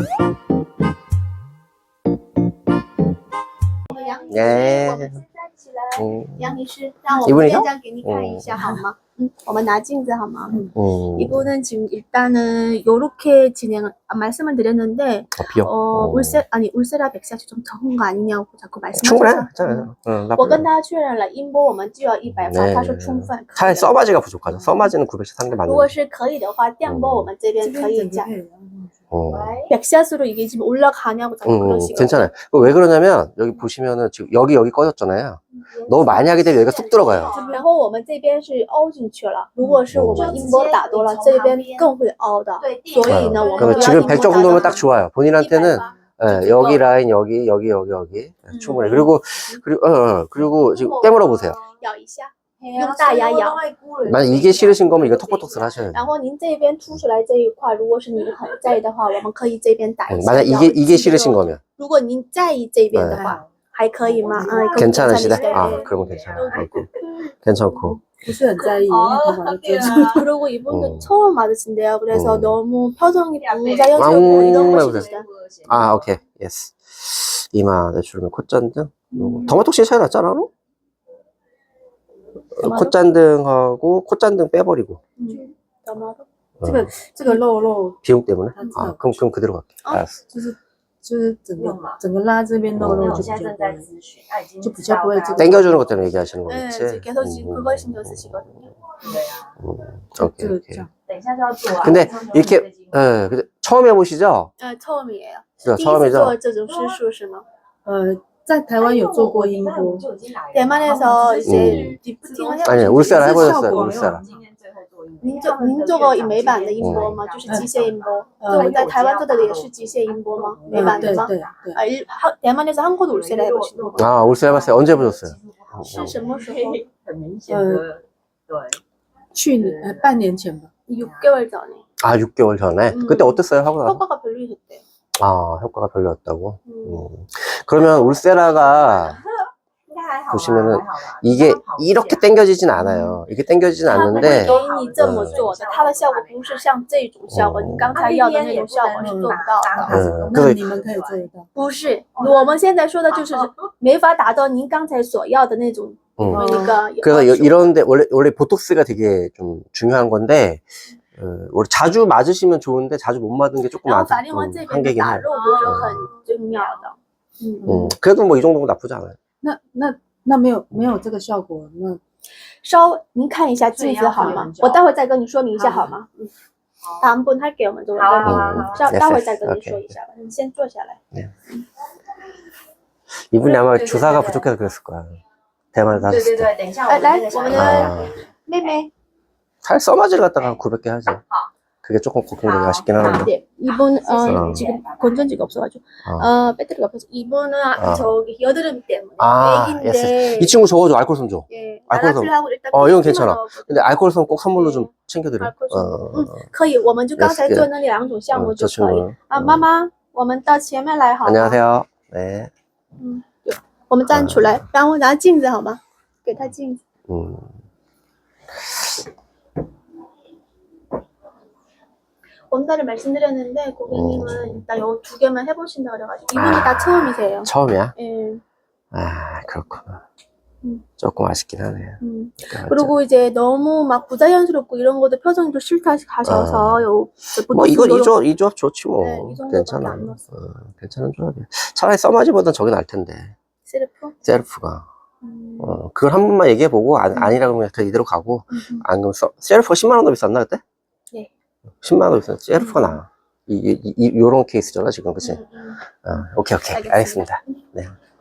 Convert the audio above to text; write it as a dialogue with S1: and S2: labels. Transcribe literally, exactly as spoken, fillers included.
S1: 예.
S2: 杨女士，让我们
S1: 이분이요?
S2: 这样给你看一下好吗？嗯，我们拿镜子好吗？
S1: 음.
S2: 이거는 지금 일단은 요렇게 진행 아, 말씀을 드렸는데
S1: 어, 비어.
S2: 어,
S1: 어.
S2: 울세 아니 울세라 백사시 좀 적은 거 아니냐고 자꾸
S1: 충분해.
S2: 말씀하셔서
S1: 괜찮아요. 응,
S2: 我跟他确认了音波我们就要一百发
S1: 네.
S2: 他说充分可
S1: 차라리
S2: 以
S1: 써마지가 부족하죠. 써마지는 구백씩 사는 게
S2: 如果
S1: 맞는데.
S2: 是可以的话电波我们这边可以加
S1: 어.
S2: 백샷으로 이게 지금 올라가냐고 자꾸
S1: 응,
S2: 그러시거든요.
S1: 괜찮아요. 왜 그러냐면 여기 보시면은 지금 여기 여기 꺼졌잖아요. 너무 많이 하게 되면 여기가 쑥 들어가요.
S2: 然后我们这边是凹进去了，如果是我们音波打多了，这边更会凹的。所以呢，我们
S1: 그러면
S2: 不要
S1: 지금
S2: 音波
S1: 백
S2: 打
S1: 정도면
S2: 到
S1: 딱 좋아요. 본인한테는 예, 여기 라인 여기 여기 여기 여기 예, 충분해. 그리고 그리고 어, 어, 그리고 지금 깨물어 보세요.
S2: 咬一下，用大牙咬。
S1: 만약 이게 싫으신 거면 이거 톡톡톡 하셔야 돼요.
S2: 然后您这边凸出来这一块，如果是您很在意的话，我们可以这边打一
S1: 예,
S2: 下。
S1: 만약 이게 이게 싫으신 거면
S2: 如果您在意这边的话，还可以吗？嗯，
S1: 괜찮으시다.
S2: 괜찮으시다.
S1: 아, 그러면 괜찮아. 고 괜찮고.
S3: 不是很在意，因为头发都遮住。
S2: 그리고 이분도
S1: 음.
S2: 처음 맞으신데요. 그래서
S1: 음.
S2: 너무 표정이 부자연스럽고
S1: 왕-
S2: 이런
S1: 해보세요.
S2: 것이시다.
S1: 아, 오케이. 예스. 이마 내추럴면 콧잔등. 더마톡시 차이 났잖아. 너? 어, 콧잔등하고 콧잔등 빼버리고.
S2: 음. 너무
S3: 这个这个肉肉
S1: 비용 때문에? 아, 그럼 그럼 그대로 갈게.
S2: 어?
S1: 알았어.
S3: 就是就是整个整个拉这边肉肉就比较不会，就比较不会这个
S1: 땡겨주는 것 때문에 얘기하시는
S2: 네,
S1: 거겠지?
S2: 지금 계속 지금 그걸 신경 쓰시거든요.
S1: 음,
S3: 这
S1: 오케이,
S3: 个
S1: 오케이.
S3: 这样。
S1: 근데 이렇게 예, 근데 처음 해보시죠?
S2: 네, 처음이에요.
S1: 그죠,
S2: 第一次
S1: 처음이죠?
S2: 做这种施术是吗？
S3: 呃，在台湾有做过音波，
S2: 대만에서 이제 리프팅을 해보신
S1: 아니, 울세라
S3: 그
S1: 해보셨어요,
S3: 效果
S1: 울세라.
S2: 您做您做过美版的音波吗？就是机械音波。就我们在台湾做的也是机械音波吗？美
S3: 嗯， 对
S2: 版的吗？
S3: 对对，
S2: 아, 일, 하, 대만에서 한 곳 울세라 해보신 거예요.
S1: 아, 울세 해봤어요. 언제 해보셨어요?
S2: 是什么时候？
S3: 去年呃半年前吧，
S2: 육 개월 전에.
S1: 아, 육 개월 전에?
S2: 음.
S1: 그때 어땠어요? 하고 나서?
S2: 효과가 별로셨대요.
S1: 아, 효과가 별로였다고?
S2: 음.
S1: 음. 그러면 울세라가 보시면은 이게 이렇게 당겨지진 않아요. 이렇게 당겨지진
S2: 它不会
S1: 않는데
S2: 给你这么做的，它的效果不是像这种效果，你刚才要的那种效果是做不到的。
S1: 음,
S3: 那
S1: 그래서
S3: 你们可以做得到。
S2: 不是，我们现在说的就是没法达到您刚才所要的那种
S1: 음.
S2: 那个。
S1: 그래서 여- 이런데 원래 원래 보톡스가 되게 좀 중요한 건데 어, 원래 자주 맞으시면 좋은데 자주 못 맞은 게 조금
S2: 然后
S1: 안,
S2: 法令纹
S1: 음,
S2: 这边的
S1: 한계긴
S2: 打
S1: 해요.
S2: 肉不是很重要的。嗯，
S1: 음, 그래도 뭐 이 정도면 나쁘지 않아요.
S3: 那那那没有没有这个效果，那
S2: 稍您看一下镜子好吗？我待会再跟你说明一下好吗？嗯，다음 분 할게요 먼저.
S1: 음,
S2: 稍
S1: yes,
S2: 待会
S1: yes.
S2: 再跟你
S1: 오케이.
S2: 说一下吧，你先坐下来。
S1: 이분이 아마 주사가 부족해서 그랬을 거야. 대만에서 하셨을 때.
S4: 等一下
S2: 哎，来，我们的
S1: 아,
S2: 妹妹，
S1: 살 써마지를 갖다가 구백 개 하지. 그게 조금 걱정되게 하시긴 하는데.
S2: 네, 이분 어,
S1: 어.
S2: 지금 건전지가 없어가지고
S1: 어.
S2: 어 배터리가 없어서 이분은
S1: 어.
S2: 저기 여드름 때문에
S1: 아,
S2: 애기인데
S1: 이 친구 저거 줘, 알콜솜 줘.
S2: 예,
S1: 알코올
S2: 나라필하고 일단
S1: 어, 이건
S2: 피만
S1: 괜찮아.
S2: 넣었거든요.
S1: 근데 알콜솜 꼭 선물로 좀 챙겨드려.
S2: 알콜솜.
S1: 어,
S2: 음, 可以，我们就刚才
S1: Yes,
S2: 做那两种项目
S1: 어,
S2: 就
S1: 저
S2: 可以。
S1: 친구는.
S2: 啊，
S1: 어.
S2: 妈妈，我们到前面来好吗？
S1: 안녕하세요. 네.
S2: 嗯，有，我们站出来，然后拿镜子好吗？给他镜子。
S1: 음.
S2: 원가를 말씀드렸는데 고객님은 일단 요 두 개만 해보신다 그래가지고 이분이 다
S1: 아.
S2: 처음이세요.
S1: 처음이야?
S2: 예.
S1: 아, 그렇구나.
S2: 음.
S1: 조금 아쉽긴 하네요.
S2: 음.
S1: 그러니까
S2: 그리고 이제 너무 막 부자연스럽고 이런 것도 표정이 또 싫다 하셔서
S1: 아.
S2: 요
S1: 뭐 이거
S2: 요런-
S1: 이 조합, 이 조합 좋지 뭐.
S2: 네, 이 정도밖에
S1: 괜찮아.
S2: 안 넣었어요.
S1: 어, 괜찮은 조합이야. 차라리 써마지보단 저게 나을 텐데.
S2: 셀프?
S1: 셀프가.
S2: 음.
S1: 어, 그걸 한 번만 얘기해보고 아, 아니라 그러면 그냥 이대로 가고
S2: 음.
S1: 안 그러면 써, 셀프가 십만 원 더 비쌌나 그때?
S2: 네.
S1: 십만 원 더 비쌌나? 셀프가
S2: 음.
S1: 나아. 이, 이, 이, 요런 케이스잖아 지금 그치?
S2: 음, 음.
S1: 어, 오케이 오케이
S2: 알겠습니다.
S1: 알겠습니다. 네.